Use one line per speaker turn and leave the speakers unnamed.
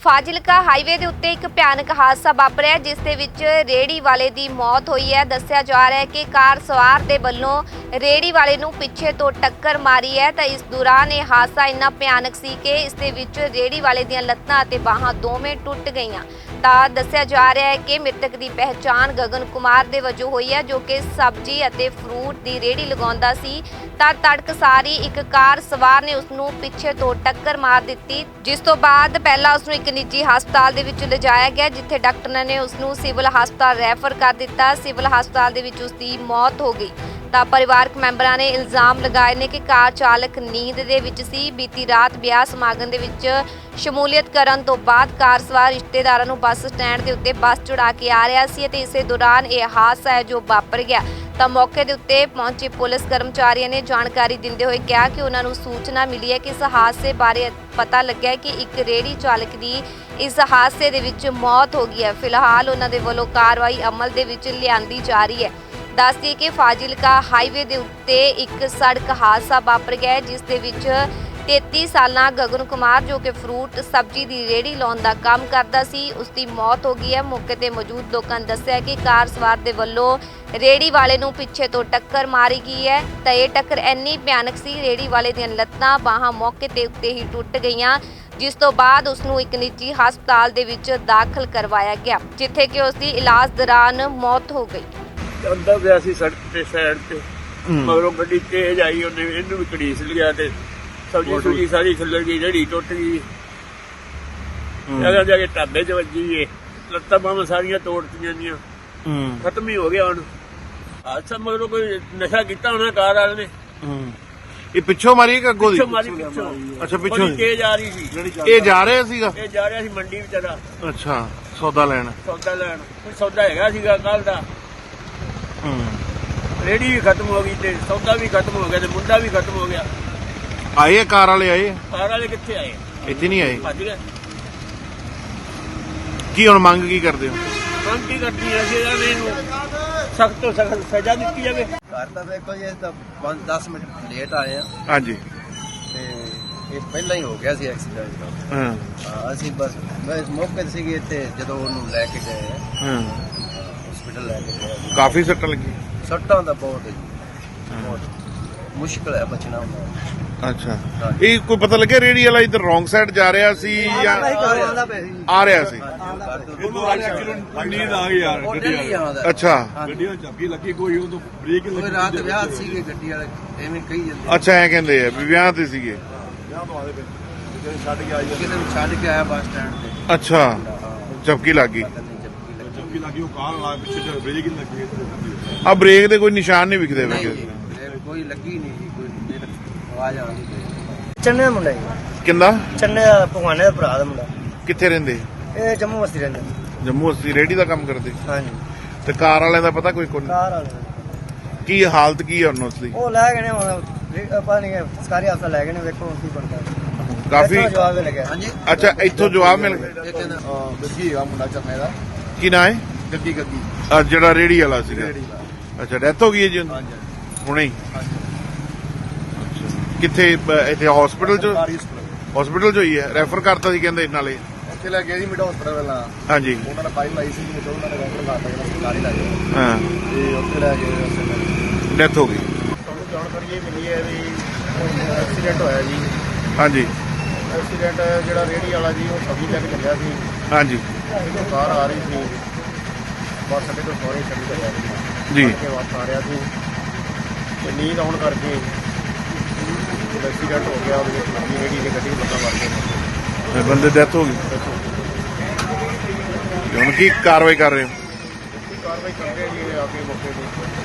Fazilka highway ਦੇ ਉੱਤੇ ਇੱਕ ਭਿਆਨਕ ਹਾਦਸਾ ਵਾਪਰਿਆ ਜਿਸ ਦੇ ਵਿੱਚ ਰੇੜੀ ਵਾਲੇ ਦੀ ਮੌਤ ਹੋਈ ਹੈ। ਦੱਸਿਆ ਜਾ ਰਿਹਾ ਹੈ ਕਿ ਕਾਰ ਸਵਾਰ ਦੇ ਵੱਲੋਂ ਰੇੜੀ ਵਾਲੇ ਨੂੰ ਪਿੱਛੇ ਤੋਂ ਟੱਕਰ ਮਾਰੀ ਹੈ ਤਾਂ ਇਸ ਦੌਰਾਨ ਇਹ ਹਾਦਸਾ ਇੰਨਾ ਭਿਆਨਕ ਸੀ ਕਿ ਇਸ ਦੇ ਵਿੱਚ ਰੇੜੀ ਵਾਲੇ ਦੀਆਂ ਲੱਤਾਂ ਅਤੇ ਬਾਹਾਂ ਦੋਵੇਂ ਟੁੱਟ ਗਈਆਂ। ਤਾਂ ਦੱਸਿਆ ਜਾ ਰਿਹਾ ਹੈ ਕਿ ਮ੍ਰਿਤਕ ਦੀ ਪਹਿਚਾਣ ਗਗਨ ਕੁਮਾਰ ਦੇ ਵਜੋਂ ਹੋਈ ਹੈ, ਜੋ ਕਿ ਸਬਜ਼ੀ ਅਤੇ ਫਰੂਟ ਦੀ ਰੇੜੀ ਲਗਾਉਂਦਾ ਸੀ ਤਾਂ ਤੜਕਸਾਰੀ ਇੱਕ ਕਾਰ ਸਵਾਰ ਨੇ ਉਸ ਨੂੰ ਪਿੱਛੇ ਤੋਂ ਟੱਕਰ ਮਾਰ ਦਿੱਤੀ, ਜਿਸ ਤੋਂ ਬਾਅਦ ਪਹਿਲਾਂ ਉਸ ਨੂੰ ਇੱਕ ਨਿੱਜੀ ਹਸਪਤਾਲ ਦੇ ਵਿੱਚ ਲਿਜਾਇਆ ਗਿਆ, ਜਿੱਥੇ ਡਾਕਟਰਾਂ ਨੇ ਉਸ ਨੂੰ ਸਿਵਲ ਹਸਪਤਾਲ ਰੈਫਰ ਕਰ ਦਿੱਤਾ। ਸਿਵਲ ਹਸਪਤਾਲ ਦੇ ਵਿੱਚ ਉਸ ਦੀ ਮੌਤ ਹੋ ਗਈ। ਤਾਂ ਪਰਿਵਾਰਕ ਮੈਂਬਰਾਂ ਨੇ ਇਲਜ਼ਾਮ ਲਗਾਏ ਨੇ ਕਿ ਕਾਰ ਚਾਲਕ ਨੀਂਦ ਦੇ ਵਿੱਚ ਸੀ। ਬੀਤੀ ਰਾਤ ਵਿਆਹ ਸਮਾਗਮ ਦੇ ਵਿੱਚ ਸ਼ਮੂਲੀਅਤ ਕਰਨ ਤੋਂ ਬਾਅਦ ਕਾਰ ਸਵਾਰ ਰਿਸ਼ਤੇਦਾਰਾਂ ਨੂੰ ਬੱਸ ਸਟੈਂਡ ਦੇ ਉੱਤੇ ਬੱਸ ਚੜਾ ਕੇ ਆ ਰਿਹਾ ਸੀ ਅਤੇ ਇਸੇ ਦੌਰਾਨ ਇਹ ਹਾਦਸਾ ਹੈ ਜੋ ਵਾਪਰ ਗਿਆ। ਤਾਂ ਮੌਕੇ ਦੇ ਉੱਤੇ ਪਹੁੰਚੇ ਪੁਲਿਸ ਕਰਮਚਾਰੀਆਂ ਨੇ ਜਾਣਕਾਰੀ ਦਿੰਦੇ ਹੋਏ ਕਿਹਾ ਕਿ ਉਹਨਾਂ ਨੂੰ ਸੂਚਨਾ ਮਿਲੀ ਹੈ ਕਿ ਇਸ ਹਾਦਸੇ ਬਾਰੇ ਪਤਾ ਲੱਗਿਆ ਕਿ ਇੱਕ ਰੇੜੀ ਚਾਲਕ ਦੀ ਇਸ ਹਾਦਸੇ ਦੇ ਵਿੱਚ ਮੌਤ ਹੋ ਗਈ ਹੈ। ਫਿਲਹਾਲ ਉਹਨਾਂ ਦੇ ਵੱਲੋਂ ਕਾਰਵਾਈ ਅਮਲ ਦੇ ਵਿੱਚ ਲਿਆਂਦੀ ਜਾ ਰਹੀ ਹੈ। ਦੱਸ ਦਈਏ ਕਿ ਫਾਜ਼ਿਲਕਾ ਹਾਈਵੇ ਦੇ ਉੱਤੇ ਇੱਕ ਸੜਕ ਹਾਦਸਾ ਵਾਪਰ ਗਿਆ ਹੈ, ਜਿਸ ਦੇ ਵਿੱਚ 33 ਸਾਲਾਂ ਗਗਨ ਕੁਮਾਰ ਜੋ ਕਿ ਫਰੂਟ ਸਬਜ਼ੀ ਦੀ ਰੇੜੀ ਲਾਉਣ ਦਾ ਕੰਮ ਕਰਦਾ ਸੀ, ਉਸ ਦੀ ਮੌਤ ਹੋ ਗਈ ਹੈ। ਮੌਕੇ ਤੇ ਮੌਜੂਦ ਲੋਕਾਂ ਨੇ ਦੱਸਿਆ ਕਿ ਕਾਰ ਸਵਾਰ ਦੇ ਵੱਲੋਂ ਰੇੜੀ ਵਾਲੇ ਨੂੰ ਪਿੱਛੇ ਤੋਂ ਟੱਕਰ ਮਾਰੀ ਗਈ ਹੈ ਤਾਂ ਇਹ ਟੱਕਰ ਇੰਨੀ ਭਿਆਨਕ ਸੀ, ਰੇੜੀ ਵਾਲੇ ਦੀਆਂ ਲੱਤਾਂ ਬਾਹਾਂ ਮੌਕੇ ਤੇ ਉੱਤੇ ਹੀ ਟੁੱਟ ਗਈਆਂ, ਜਿਸ ਤੋਂ ਬਾਅਦ ਉਸ ਨੂੰ ਇੱਕ ਨਿੱਜੀ ਹਸਪਤਾਲ ਦੇ ਵਿੱਚ ਦਾਖਲ ਕਰਵਾਇਆ ਗਿਆ, ਜਿੱਥੇ ਕਿ ਉਸ ਦੀ ਇਲਾਜ ਦੌਰਾਨ ਮੌਤ ਹੋ ਗਈ।
ਅੰਦਰ ਗਿਆ ਸੀ ਸੜਕ ਤੇ ਸਾਈਡ ਤੇ, ਮਗਰੋਂ ਗੱਡੀ ਤੇਜ਼ ਆਈ, ਉਹਨੇ ਇਹਨੂੰ ਵੀ ਘੜੀਸ ਲਿਆ ਤੇ ਸਬਜ਼ੀ ਸੁਜੀ ਸਾਰੀ ਖਿੱਲਰ ਗਈ, ਰੇੜੀ ਟੁੱਟ ਗਈ। ਜਗ੍ਹਾ ਜਾ ਕੇ ਢਾਬੇ 'ਚ ਵੱਜੀ ਏ, ਲੱਤਾਂ ਬਾਹਾਂ ਸਾਰੀਆਂ ਤੋੜਤੀਆਂ ਦੀਆਂ, ਖਤਮ ਹੀ ਹੋ ਗਿਆ ਹੁਣ। ਅੱਛਾ, ਮਗਰੋਂ ਕੋਈ ਨਸ਼ਾ ਕੀਤਾ ਹੋਣਾ ਕਾਰ ਵਾਲੇ ਨੇ।
ਇਹ ਪਿੱਛੋਂ ਮਾਰੀ ਕਿ ਅੱਗੋਂ ਦੀ?
ਪਿੱਛੋਂ।
ਅੱਛਾ, ਪਿੱਛੋਂ
ਤੇਜ਼ ਆ ਰਹੀ ਸੀ।
ਇਹ ਜਾ ਰਿਹਾ ਸੀਗਾ?
ਇਹ ਜਾ ਰਿਹਾ ਸੀ ਮੰਡੀ ਵਿਚਾਰਾ।
ਅੱਛਾ, ਸੌਦਾ ਲੈਣ।
ਕੋਈ ਸੌਦਾ ਹੈਗਾ ਸੀਗਾ ਕੱਲ ਦਾ। ਰੇੜੀ ਵੀ ਖਤਮ ਹੋ ਗਈ ਤੇ ਸੌਦਾ ਵੀ ਖਤਮ ਹੋ ਗਿਆ ਤੇ ਮੁੰਡਾ ਵੀ ਖਤਮ ਹੋ ਗਿਆ।
ਆਏ ਕਾਰ ਵਾਲੇ? ਆਏ
ਕਾਰ ਵਾਲੇ ਕਿੱਥੇ ਆਏ?
ਇੱਥੇ ਨਹੀਂ ਆਏ।
ਭੱਜ ਗਏ।
ਕੀ ਹੁਣ ਮੰਗ ਕੀ ਕਰਦੇ ਹੋ?
ਮੰਗ ਕੀ ਕਰਦੀ ਹੈ? ਅਸੀਂ ਇਹਨੂੰ ਸਖਤ ਤੋਂ ਸਖਤ ਸਜ਼ਾ ਦਿੱਤੀ ਜਾਵੇ।
ਘਰ ਤਾਂ ਦੇਖੋ ਜੀ, ਤਾਂ 5-10 ਮਿੰਟ ਲੇਟ ਆਏ ਆ
ਹਾਂਜੀ,
ਤੇ ਇਹ ਪਹਿਲਾਂ ਹੀ ਹੋ ਗਿਆ ਸੀ ਐਕਸੀਡੈਂਟ।
ਹਾਂ
ਅਸੀਂ ਬਸ ਮੌਕੇ ਤੇ ਸੀਗੇ ਇੱਥੇ ਜਦੋਂ ਉਹਨੂੰ ਲੈ ਕੇ ਗਏ
ਹਾਂ।
ਹਸਪੀਟਲ ਲੈ ਕੇ ਗਏ।
ਕਾਫੀ ਸੱਟਾਂ ਲੱਗੀ?
ਸੱਟਾਂ ਦਾ ਬਹੁਤ ਹੈ ਜੀ, ਬਹੁਤ ਮੁਸ਼ਕਿਲ ਹੈ ਬਚਣਾ ਹੁੰਦਾ।
ਅੱਛਾ, ਇਹ ਕੋਈ ਪਤਾ ਲੱਗਿਆ ਰੇੜੀ ਵਾਲਾ ਇੱਧਰ ਰੋਂਗ ਸਾਈਡ ਜਾ ਰਿਹਾ ਸੀ ਜਾਂ ਆ ਰਿਹਾ ਸੀ?
ਨੀਂਦ ਆ ਗਈ ਯਾਰ ਗੱਡੀ ਵਾਲੇ।
ਅੱਛਾ,
ਗੱਡੀ ਨੂੰ ਝੱਗੀ ਲੱਗੀ, ਕੋਈ ਉਹ ਤੋਂ ਬ੍ਰੇਕ ਹੀ
ਕੋਈ ਰਾਤ ਵਿਆਹ ਸੀਗੇ ਗੱਡੀ ਵਾਲੇ, ਐਵੇਂ ਕਹੀ ਜਾਂਦੇ।
ਅੱਛਾ, ਐ ਕਹਿੰਦੇ ਆ ਵੀ ਵਿਆਹ ਤੇ ਸੀਗੇ।
ਛੱਡ ਕੇ ਆਈ
ਕਿਸੇ ਨੂੰ ਛੱਡ ਕੇ ਆਇਆ ਬੱਸ ਸਟੈਂਡ ਤੇ।
ਅੱਛਾ, ਝਪਕੀ ਲੱਗ ਗਈ।
ਝੱਗੀ ਲੱਗੀ, ਉਹ ਕਾਰ ਲਾ ਪਿੱਛੇ ਤੇ ਬ੍ਰੇਕ ਹੀ ਲੱਗੀ।
ਆ ਬ੍ਰੇਕ ਦੇ ਕੋਈ ਨਿਸ਼ਾਨ ਨਹੀਂ ਵਿਖਦੇ ਵੇ?
ਕੋਈ ਲੱਗੀ ਨਹੀਂ ਜੀ, ਕੋਈ ਆਵਾਜ਼ ਆਉਂਦੀ ਚੰਨੇ ਦਾ ਮੁੰਡਾ ਜੀ।
ਕਿੰਦਾ?
ਚੰਨੇ ਦਾ ਭਗਵਾਨੇ ਦਾ ਭਰਾ ਦਾ ਮੁੰਡਾ।
ਕਿੱਥੇ ਰਹਿੰਦੇ?
ਇਹ ਜੰਮੂ ਵਸਤੀ ਰਹਿੰਦਾ।
ਜੰਮੂ ਅਸੀਂ ਰੇੜੀ ਦਾ ਕੰਮ ਕਰਦੇ।
ਹਾਂਜੀ,
ਤੇ ਕਾਰ ਵਾਲਿਆਂ ਦਾ ਪਤਾ ਕੋਈ
ਕਾਰ ਵਾਲੇ
ਕੀ ਹਾਲਤ ਕੀ ਹੈ ਉਹਨਾਂ ਦੀ?
ਉਹ ਲੈ ਗਏ ਨੇ ਹੁਣ, ਪਤਾ ਨਹੀਂ ਸਰਕਾਰੀ ਹਸਪਤਾਲ ਲੈ ਗਏ ਨੇ, ਵੇਖੋ ਕੀ ਬਣਦਾ।
ਕਾਫੀ
ਜਵਾਬ ਲੱਗਿਆ। ਹਾਂਜੀ,
ਅੱਛਾ, ਇੱਥੋਂ ਜਵਾਬ ਮਿਲ ਗਿਆ।
ਇਹ ਕਹਿੰਦਾ ਗੱਗੀ ਹੈਗਾ ਮੁੰਡਾ ਚੰਨੇ ਦਾ।
ਕੀ ਨਾਂ ਹੈ?
ਗੱਗੀ
ਆ ਜਿਹੜਾ ਰੇੜੀ ਵਾਲਾ ਸੀਗਾ। ਅੱਛਾ, ਡੈਥ ਹੋ ਗਈ ਹੈ ਜੀ ਉਹਦੀ? ਹੁਣੇ ਹੀ? ਕਿੱਥੇ? ਇੱਥੇ ਹਸਪੀਟਲ ਚ? ਹਸਪੀਟਲ ਚ ਹੋਈ ਹੈ? ਰੈਫਰ ਕਰਤਾ ਸੀ ਕਹਿੰਦੇ ਨਾਲੇ?
ਉੱਥੇ ਲੈ ਗਏ ਜੀ ਮਿਡ ਹਸਪਤਾਲ ਪਹਿਲਾਂ।
ਹਾਂਜੀ,
ਉਹਨਾਂ ਨੇ ਫਾਈਲ ਲਾਈ ਸੀ, ਉਹਨਾਂ ਨੇ ਰੈਫਰ ਕਰਤਾ ਕਿ ਸਰਕਾਰੀ ਲੈ ਗਏ।
ਹਾਂ,
ਤੇ ਉੱਥੇ ਲੈ ਗਏ।
ਡੈਥ ਹੋ ਗਈ।
ਤੁਹਾਨੂੰ ਜਾਣਕਾਰੀ ਇਹ ਮਿਲੀ ਹੈ ਵੀ ਐਕਸੀਡੈਂਟ ਹੋਇਆ ਜੀ।
ਹਾਂਜੀ
ਐਕਸੀਡੈਂਟ ਜਿਹੜਾ ਰੇਹੜੀ ਵਾਲਾ ਜੀ, ਉਹ ਸਬਜ਼ੀ ਲੈ ਕੇ ਚੱਲਿਆ ਸੀ।
ਹਾਂਜੀ
ਜਦੋਂ ਕਾਰ ਆ ਰਹੀ ਸੀ, ਬੱਸ ਅੱਡੇ ਤੋਂ ਸਹੁਰੇ ਛੱਡ ਕੇ ਗਿਆ ਸੀ
ਜੀ।
ਕੇ ਵਾਪਸ ਆ ਰਿਹਾ ਸੀ ਤੇ ਨੀਂਦ ਆਉਣ ਕਰਕੇ ਐਕਸੀਡੈਂਟ ਹੋ ਗਿਆ। ਉਹਦੇ ਵਿੱਚ ਲੱਗੀ ਰੇਹੜੀ ਦੀ ਗੱਡੀ ਬੰਦਾ ਮਰ ਗਿਆ।
ਬੰਦੇ ਡੈਥ ਹੋ ਗਈ। ਹੁਣ ਕੀ ਕਾਰਵਾਈ ਕਰ ਰਹੇ ਹੋ?
ਕਾਰਵਾਈ ਕਰਦੇ ਜੀ ਆ ਕੇ ਮੌਕੇ ਤੇ।